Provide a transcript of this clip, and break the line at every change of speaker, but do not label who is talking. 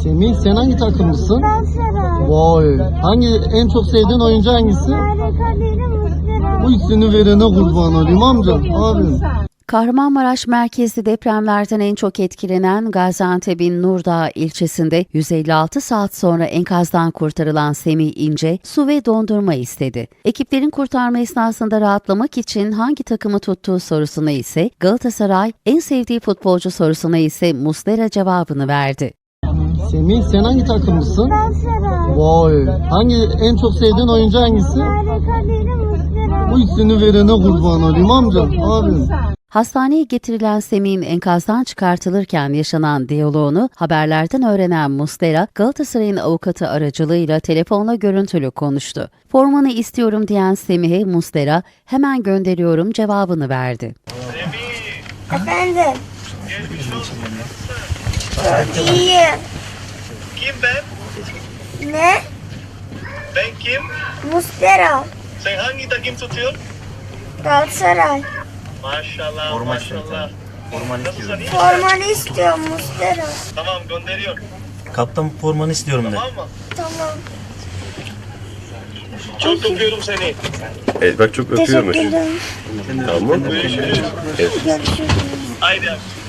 Semih, sen hangi takımlısın?
Galatasaray.
Vay. En çok sevdiğin oyuncu hangisi?
Harika değilim Muslera.
Bu ikisini verene kurban olayım amcam. Abim.
Kahramanmaraş merkezli depremlerden en çok etkilenen Gaziantep'in Nurdağ ilçesinde 156 saat sonra enkazdan kurtarılan Semih İnce su ve dondurma istedi. Ekiplerin kurtarma esnasında rahatlamak için hangi takımı tuttuğu sorusuna ise Galatasaray, en sevdiği futbolcu sorusuna ise Muslera cevabını verdi.
Semih, sen hangi takımlısın?
Galatasaray.
Vay. En çok sevdiğin oyuncu hangisi?
Harika değilim Muslera.
Bu ikisini verene kurban olayım amcam. Abim.
Hastaneye getirilen Semih'in enkazdan çıkartılırken yaşanan diyaloğunu haberlerden öğrenen Muslera, Galatasaray'ın avukatı aracılığıyla telefonla görüntülü konuştu. Formanı istiyorum diyen Semih'e Muslera, hemen gönderiyorum cevabını verdi.
Efendim. İyi.
Kim ben?
Ne?
Ben kim?
Muslera.
Sen hangi takım tutuyorsun?
Galatasaray.
Maşallah, maşallah. Nasılsın, iyi misin?
Formanı istiyorum Muslera.
Tamam, gönderiyorum.
Kaptan formanı istiyorum de.
Tamam mı?
Tamam.
Çok öpüyorum seni.
Evet bak çok öpüyormuş.
Teşekkür ederim.
Tamam.
Görüşürüz.
Görüşürüz.
Haydi abi.